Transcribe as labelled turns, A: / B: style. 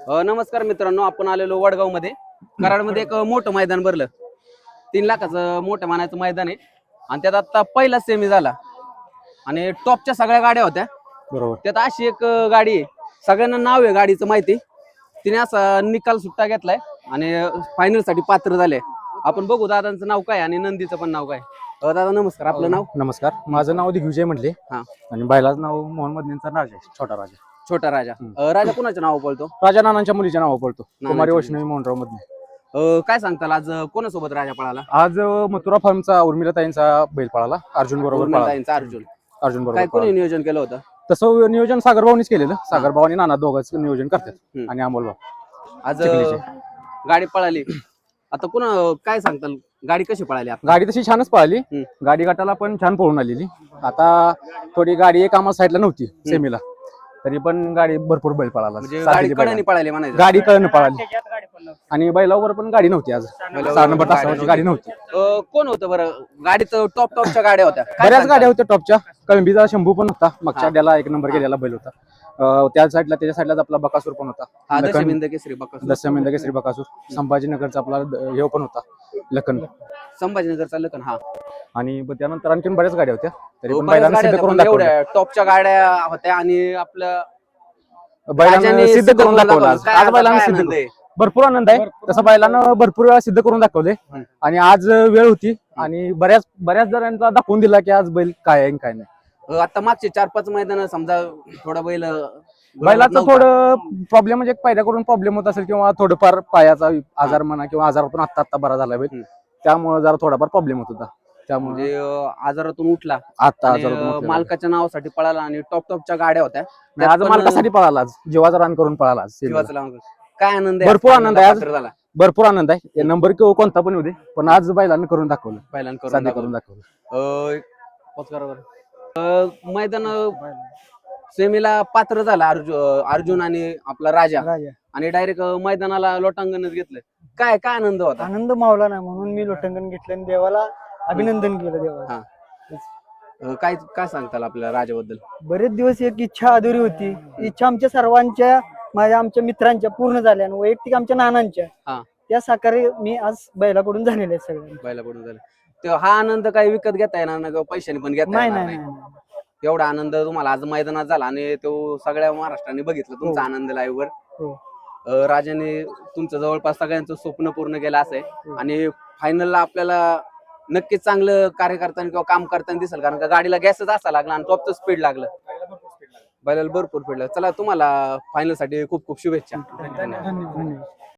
A: नमस्कार मित्रांनो, आपण आलेलो वडगाव मध्ये कराडमध्ये एक मोठं मैदान भरलं. 3 लाखाचं मोठं मानायचं मैदान आहे आणि त्यात आता पहिला सेमी झाला आणि टॉपच्या सगळ्या गाड्या होत्या.
B: बरोबर.
A: त्यात अशी एक गाडी आहे, सगळ्यांना नाव आहे गाडीचं माहिती. तिने असा निकाल सुट्टा घेतलाय आणि फायनल साठी पात्र झाले. आपण बघू दादांचं नाव काय आणि नंदीचं पण नाव काय. दादा नमस्कार, आपलं नाव?
B: नमस्कार, माझं नाव दिग्विजय म्हटले.
A: हा.
B: आणि बैलाचं नाव मोहन मदनींचा राजा, छोटा राजा.
A: छोटा राजा. राजा कुणाच्या नाव बोलतो?
B: राजा नानांच्या मुलीच्या नाव पडतो, कुमारी
A: नानांच्या
B: वैष्णवी मोहनराव मधने.
A: काय सांगताल आज कोणासोबत राजा पळाला?
B: आज मथुरा फार्मचा उर्मिलाताईंचा बैल पळाला, अर्जुन बरोबर पळाला.
A: उर्मिलाताईंचा अर्जुन.
B: अर्जुन
A: काय
B: बरोबर
A: कोणी
B: पळाला.
A: नियोजन केलं होतं?
B: तसं नियोजन सागरभाऊनीच केलेलं. सागरभाऊ आणि नाना दोघंच नियोजन करतात आणि अमोलभाऊ.
A: आज
B: चिखलीचे.
A: गाडी पळाली. आता पुन्हा काय सांगताल, गाडी कशी पळाली आता?
B: गाडी तशी छानच पळाली. गाडी गटाला पण छान पळून आलेली. आता थोडी गाडी एक आम्हाला साईडला नव्हती सेमीला, तरी पण गाडी भरपूर बैल पळाला.
A: म्हणजे गाडी कडेने पळाली म्हणायचं.
B: गाडी कळण पळाली आणि बैलावर पण गाडी नव्हती. आज 6 नंबर तासावरची गाडी नव्हती.
A: कोण होतं बरं? गाडीत टॉपच्या गाड्या होत्या. काय
B: बऱ्याच
A: सांगताल?
B: गाड्या होत्या टॉपच्या. कळंबीचा शंभू पण होता, मागच्या अड्ड्याला 1 नंबर गेलेला बैल होता. त्या साईडला त्याच्या साईडलाच आपला बकासूर पण होता.
A: हा, दशमिंद केसरी बकासूर.
B: दशमिंद केसरी बकासूर. संभाजीनगरचा आपला हे पण होता, लखन.
A: संभाजीनगरचा लखन. हा.
B: आणि त्यानंतर आणखीन बऱ्याच गाड्या होत्या, तरी पण
A: बऱ्याच
B: बैलांना
A: गाड्या
B: सिद्ध
A: होत्या,
B: करून
A: पण
B: दाखवलं.
A: एवढ्या टॉपच्या गाड्या होत्या आणि आपलं
B: बैलांना
A: राजाने
B: सिद्ध करून दाखवलं. आज
A: काय
B: आज बैलांना
A: काय
B: सिद्ध
A: आनंद आहे.
B: भरपूर आनंद आहे. तसं बैलांना भरपूर वेळा सिद्ध करून दाखवले आणि आज वेळ होती आणि बऱ्याच जणांना दाखवून दिला की आज बैल काय आहे आणि काय नाही.
A: आता मागचे 4-5 मैदान समजा थोडा बैल
B: बैलाचं
A: नव्हता.
B: थोडं प्रॉब्लेम म्हणजे पायऱ्याकडून प्रॉब्लेम होत असेल किंवा थोडंफार पायाचा आजार म्हणा किंवा आजारातून आत्ता बरा झाला बैल, त्यामुळे जरा थोडाफार प्रॉब्लेम होत होता. त्यामुळे
A: म्हणजे आजारातून उठला
B: आता
A: आणि, मालकाच्या नावासाठी पळाला आणि टॉपच्या गाड्या होत्या.
B: आज
A: पण,
B: मालकासाठी पळाला, आज जीवाचा रान करून पळाला. आज
A: जीवाचं लावून. काय आनंद आहे?
B: भरपूर आनंद आहे आज.
A: पात्र झाला.
B: भरपूर आनंद आहे. नंबर कोणता पण होऊ दे, पण आज बैलांना करून दाखवलं,
A: पहिल्यांदा
B: साध्य करून दाखवलं.
A: मैदान सेमीला पात्र झाला अर्जुन आणि आपला राजा आणि डायरेक्ट मैदानाला लोटांगणच घेतलं. काय काय आनंद होता?
C: आनंद मावला नाही म्हणून मी लोटांगण घेतलं आणि देवाला अभिनंदन केलं. देवाला
A: काय काय सांगताल आपल्या राजाबद्दल?
C: बरेच दिवस एक इच्छा अधुरी होती. इच्छा आमच्या सर्वांच्या, आमच्या मित्रांच्या पूर्ण झाल्या आणि वैयक्तिक आमच्या नानांच्या, त्या साकारी मी आज बैलाकडून झालेल्या आहेत सगळ्या.
A: बैलाकडून झालं. तेव्हा हा आनंद काही विकत घेता येणार नाही किंवा पैशाने पण घेता येणार नाही. एवढा आनंद तुम्हाला आज मैदानात झाला आणि तो सगळ्या महाराष्ट्राने बघितलं तुमचा आनंद लाईव्ह वर. राजाने तुमचं जवळपास सगळ्यांचं स्वप्न पूर्ण केलं असं. आणि फायनलला आपल्याला नक्कीच चांगलं कार्य करताना किंवा काम करताना दिसेल, कारण का गाडीला गॅसच असा लागला आणि टॉपचं स्पीड लागलं, बैलाला भरपूर स्पीड लागलं. चला, तुम्हाला फायनल साठी खूप खूप शुभेच्छा.
C: धन्यवाद.